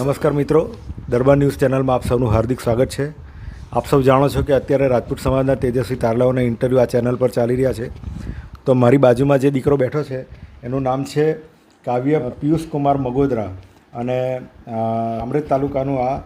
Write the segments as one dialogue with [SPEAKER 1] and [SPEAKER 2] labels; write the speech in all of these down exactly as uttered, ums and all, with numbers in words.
[SPEAKER 1] નમસ્કાર મિત્રો, દરબાર ન્યૂઝ ચેનલમાં આપ સૌનું હાર્દિક સ્વાગત છે. આપ સૌ જાણો છો કે અત્યારે રાજપૂત સમાજના તેજસ્વી તારલાઓના ઇન્ટરવ્યૂ આ ચેનલ પર ચાલી રહ્યા છે. તો મારી બાજુમાં જે દીકરો બેઠો છે એનું નામ છે કાવ્ય પિયુષ કુમાર મગોદરા અને અમરેલી તાલુકાનું આ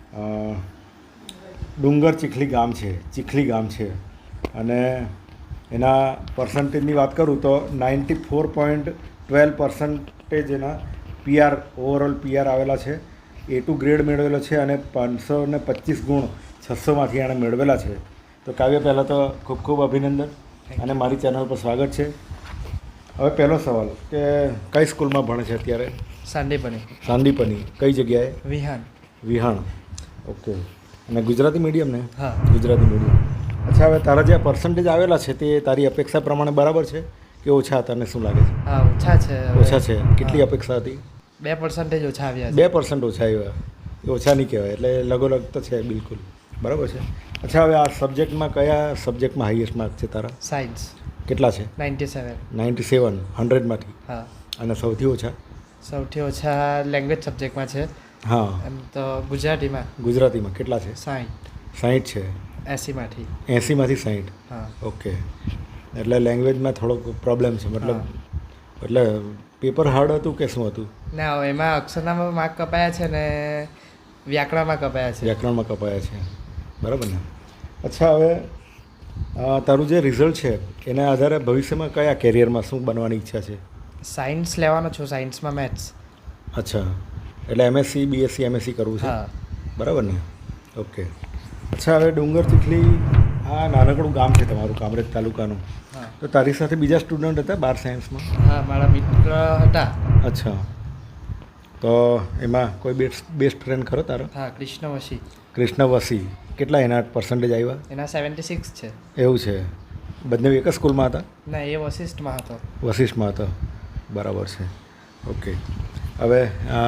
[SPEAKER 1] ડુંગર ચીખલી ગામ છે ચીખલી ગામ છે અને એના પર્સન્ટેજની વાત કરું તો ninety four point twelve percentage એના પીઆર ઓવરઓલ પીઆર આવેલા છે. એ ટુ ગ્રેડ મેળવેલો છે અને પાંચસો ને પચીસ ગુણ છસોમાંથી એણે મેળવેલા છે. તો કાવ્ય પહેલાં તો ખૂબ ખૂબ અભિનંદન અને મારી ચેનલ પર સ્વાગત છે. હવે પહેલો સવાલ કે કઈ સ્કૂલમાં ભણે છે અત્યારે?
[SPEAKER 2] સાંદીપની.
[SPEAKER 1] સાંદીપની કઈ જગ્યાએ?
[SPEAKER 2] વિહાણ.
[SPEAKER 1] વિહાણ, ઓકે. અને ગુજરાતી મીડિયમ ને?
[SPEAKER 2] હા,
[SPEAKER 1] ગુજરાતી મીડિયમ. અચ્છા, હવે તારા જે પર્સન્ટેજ આવેલા છે તે તારી અપેક્ષા પ્રમાણે બરાબર છે કે ઓછા? તને શું લાગે છે?
[SPEAKER 2] હા, ઓછા છે.
[SPEAKER 1] ઓછા છે. કેટલી અપેક્ષા હતી?
[SPEAKER 2] બે પર્સન્ટેજ ઓછા આવ્યા છે.
[SPEAKER 1] બે પર્સન્ટ ઓછા આવ્યા. એ ઓછા નહીં કહેવાય, એટલે લગોલગ તો છે બિલકુલ. બરાબર છે. અચ્છા, હવે આ સબ્જેક્ટમાં કયા સબ્જેક્ટમાં હાઈએસ્ટ માર્ક છે તારા?
[SPEAKER 2] સાયન્સ.
[SPEAKER 1] કેટલા છે?
[SPEAKER 2] Ninety seven.
[SPEAKER 1] નાઇન્ટી સેવન હંડ્રેડમાંથી?
[SPEAKER 2] હા.
[SPEAKER 1] અને સૌથી ઓછા?
[SPEAKER 2] સૌથી ઓછા લેંગ્વેજ સબ્જેક્ટમાં છે.
[SPEAKER 1] હા.
[SPEAKER 2] એમ તો ગુજરાતીમાં.
[SPEAKER 1] ગુજરાતીમાં કેટલા છે?
[SPEAKER 2] સાઠ.
[SPEAKER 1] સાઠ છે.
[SPEAKER 2] એંસીમાંથી.
[SPEAKER 1] એંસીમાંથી સાઠ?
[SPEAKER 2] હા.
[SPEAKER 1] ઓકે. એટલે લેંગ્વેજમાં થોડોક પ્રોબ્લેમ છે, મતલબ એટલે પેપર હાર્ડ હતું કે શું હતું?
[SPEAKER 2] ના, એમાં અક્ષરનામાં માર્ક કપાયા છે ને વ્યાકરણમાં કપાયા છે.
[SPEAKER 1] વ્યાકરણમાં કપાયા છે, બરાબર ને? અચ્છા, હવે તારું જે રિઝલ્ટ છે એના આધારે ભવિષ્યમાં કયા કેરિયરમાં શું બનવાની ઈચ્છા છે?
[SPEAKER 2] સાયન્સ લેવાનો છું, સાયન્સમાં મેથ્સ.
[SPEAKER 1] અચ્છા, એટલે એમએસસી બીએસસી એમએસસી કરવું છે,
[SPEAKER 2] હા.
[SPEAKER 1] બરાબર ને? ઓકે. અચ્છા, હવે ડુંગર ચીખલી આ નાનકડું ગામ છે તમારું, અમરેલી તાલુકાનું.
[SPEAKER 2] હા.
[SPEAKER 1] તો તારી સાથે બીજા સ્ટુડન્ટ હતા બાર સાયન્સમાં?
[SPEAKER 2] હા, મારા મિત્ર હતા.
[SPEAKER 1] અચ્છા, તો એમાં કોઈ બેસ્ટ બેસ્ટ ફ્રેન્ડ ખરો તારો?
[SPEAKER 2] હા, કૃષ્ણ વશી.
[SPEAKER 1] કૃષ્ણ વસી. કેટલા એના પર્સન્ટેજ આવ્યા?
[SPEAKER 2] એના સેવન્ટી સિક્સ છે.
[SPEAKER 1] એવું છે. બંને એક જ સ્કૂલમાં હતા?
[SPEAKER 2] ના, એ વશિષ્ઠમાં હતો.
[SPEAKER 1] વશિષ્ઠમાં હતો, બરાબર છે. ઓકે. હવે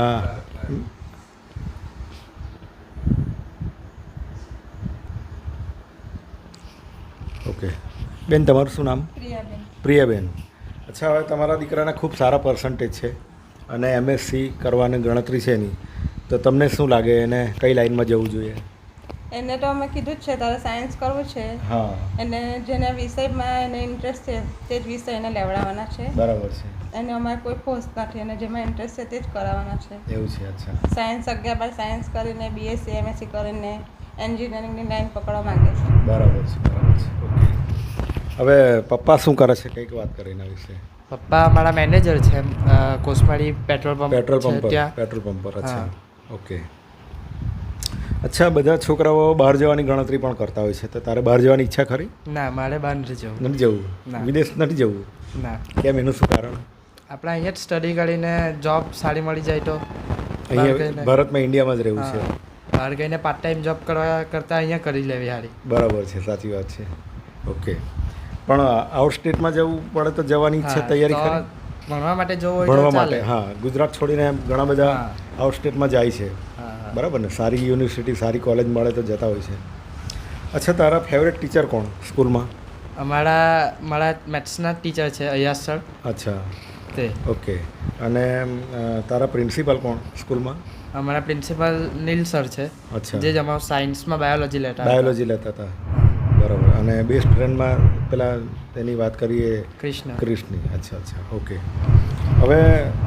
[SPEAKER 1] ઓકે બેન, તમારું શું નામ?
[SPEAKER 3] પ્રિયાબેન.
[SPEAKER 1] પ્રિયાબેન. અચ્છા, હવે તમારા દીકરાના ખૂબ સારા પર્સન્ટેજ છે અને એમએસસી કરવાની ગણતરી છે એની, તો તમને શું લાગે એને કઈ લાઈનમાં જવું જોઈએ?
[SPEAKER 3] એને તો અમે કીધું જ છે તારે સાયન્સ કરવું છે.
[SPEAKER 1] હા.
[SPEAKER 3] એને જેના વિષયમાં એને ઇન્ટરેસ્ટ છે તે જ વિષય એને લેવડાવવાના છે.
[SPEAKER 1] બરાબર છે.
[SPEAKER 3] એને અમારે કોઈ ફોર્સ નથી, અને જેમાં ઇન્ટરેસ્ટ છે તે જ કરાવવાના છે.
[SPEAKER 1] એવું છે. અચ્છા.
[SPEAKER 3] સાયન્સ અગિયાર બાર સાયન્સ કરીને બીએસસી એમએસસી કરીને એન્જિનિયરિંગની લાઈન પકડવા માંગે છે.
[SPEAKER 1] બરાબર છે, બરાબર છે. ઓકે. હવે પપ્પા શું કરે છે, કંઈક વાત કરે એના વિશે?
[SPEAKER 2] પપ્પા મારા મેનેજર છે, Kosmali petrol pump.
[SPEAKER 1] Petrol pump પર?
[SPEAKER 2] ત્યાં
[SPEAKER 1] પેટ્રોલ પંપ પર. અચ્છા, ઓકે. અચ્છા, બધા છોકરાઓ બહાર જવાની ગણતરી પણ કરતા હોય છે, તો તારે બહાર જવાની ઈચ્છા ખરી?
[SPEAKER 2] ના, મારે બહાર નથી જવું.
[SPEAKER 1] નથી જવું?
[SPEAKER 2] ના.
[SPEAKER 1] વિદેશ નથી જવું?
[SPEAKER 2] ના.
[SPEAKER 1] કેમ, એનું શું કારણ?
[SPEAKER 2] આપણે અહીંયા જ સ્ટડી કરીને જોબ સારી મળી જાય તો
[SPEAKER 1] અહીંયા ભારતમાં ઇન્ડિયામાં જ રહેવું છે?
[SPEAKER 2] બહાર ગઈને પાર્ટ ટાઈમ જોબ કરવા કરતાં અહીંયા કરી લેવી સારી.
[SPEAKER 1] બરાબર છે, સાચી વાત છે. ઓકે. પણ આઉટ સ્ટેટમાં જવું પડે તો જવાની ઈચ્છા તૈયારી કરી?
[SPEAKER 2] ભણવા માટે જવું હોય
[SPEAKER 1] ભણવા
[SPEAKER 2] તો
[SPEAKER 1] માટે,
[SPEAKER 2] ચાલે.
[SPEAKER 1] હા. ગુજરાત છોડીને ઘણા બધા આઉટ સ્ટેટમાં જાય છે,
[SPEAKER 2] હા.
[SPEAKER 1] બરાબર ને? સારી યુનિવર્સિટી સારી કોલેજ મળે તો જતા હોય છે. અચ્છા, તારા ફેવરેટ ટીચર કોણ સ્કૂલમાં?
[SPEAKER 2] અમારા મારા મેથ્સના ટીચર છે અયાસ સર.
[SPEAKER 1] અચ્છા,
[SPEAKER 2] તે.
[SPEAKER 1] ઓકે. અને તારા પ્રિન્સિપાલ કોણ સ્કૂલમાં?
[SPEAKER 2] અમારા પ્રિન્સિપલ નીલ સર છે.
[SPEAKER 1] અચ્છા.
[SPEAKER 2] જે જ અમારું સાયન્સમાં બાયોલોજી લેતા
[SPEAKER 1] બાયોલોજી લેતા હતા, બરાબર. અને બેસ્ટ ફ્રેન્ડમાં પેલા તેની વાત કરીએ,
[SPEAKER 2] કૃષ્ણ.
[SPEAKER 1] કૃષ્ણની. અચ્છા, અચ્છા, ઓકે. હવે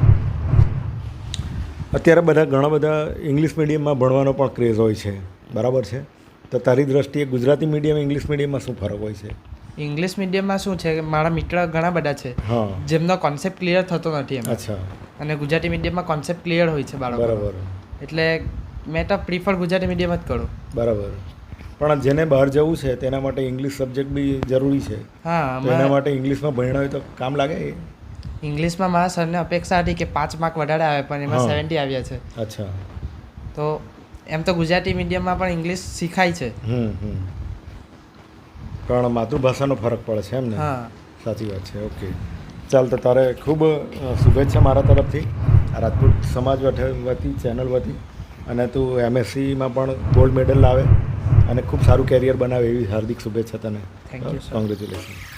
[SPEAKER 1] અત્યારે બધા ઘણા બધા ઇંગ્લિશ મીડિયમમાં ભણવાનો પણ ક્રેઝ હોય છે, બરાબર છે? તો તારી દ્રષ્ટિએ ગુજરાતી મીડિયમ ઇંગ્લિશ મીડિયમમાં શું ફરક હોય છે?
[SPEAKER 2] ઇંગ્લિશ મીડિયમમાં શું છે કે મારા મિત્ર ઘણા બધા છે
[SPEAKER 1] હા,
[SPEAKER 2] જેમનો કોન્સેપ્ટ ક્લિયર થતો નથી એમ.
[SPEAKER 1] અચ્છા.
[SPEAKER 2] અને ગુજરાતી મીડિયમમાં કોન્સેપ્ટ ક્લિયર હોય છે બાળકો.
[SPEAKER 1] બરાબર.
[SPEAKER 2] એટલે મેં તો પ્રિફર ગુજરાતી મીડિયમ જ કરું.
[SPEAKER 1] બરાબર. પણ જેને બહાર જવું છે તેના માટે ઇંગ્લિશ સબ્જેક્ટ બી જરૂરી છે.
[SPEAKER 2] હા,
[SPEAKER 1] તો એના માટે ઇંગ્લિશમાં ભણ્યા હોય તો કામ લાગે?
[SPEAKER 2] ઇંગ્લિશમાં મારા સરને અપેક્ષા હતી કે પાંચ માર્ક વધારે આવે, પણ એમાં સેવન્ટી આવ્યા છે.
[SPEAKER 1] અચ્છા.
[SPEAKER 2] તો એમ તો ગુજરાતી મીડિયમમાં પણ ઇંગ્લિશ શીખાય છે.
[SPEAKER 1] હમ હમ પણ માતૃભાષાનો ફરક પડે છે એમ ને?
[SPEAKER 2] હા,
[SPEAKER 1] સાચી વાત છે. ઓકે, ચાલ. તો તારે ખૂબ શુભેચ્છા મારા તરફથી, આ રાજપૂત સમાજ વતી ચેનલ વતી. અને તું એમએસસીમાં પણ ગોલ્ડ મેડલ લાવે અને ખૂબ સારું કેરિયર બનાવે એવી હાર્દિક શુભેચ્છા તને.
[SPEAKER 2] Thank you sir.
[SPEAKER 1] કોંગ્રેચ્યુલેશન.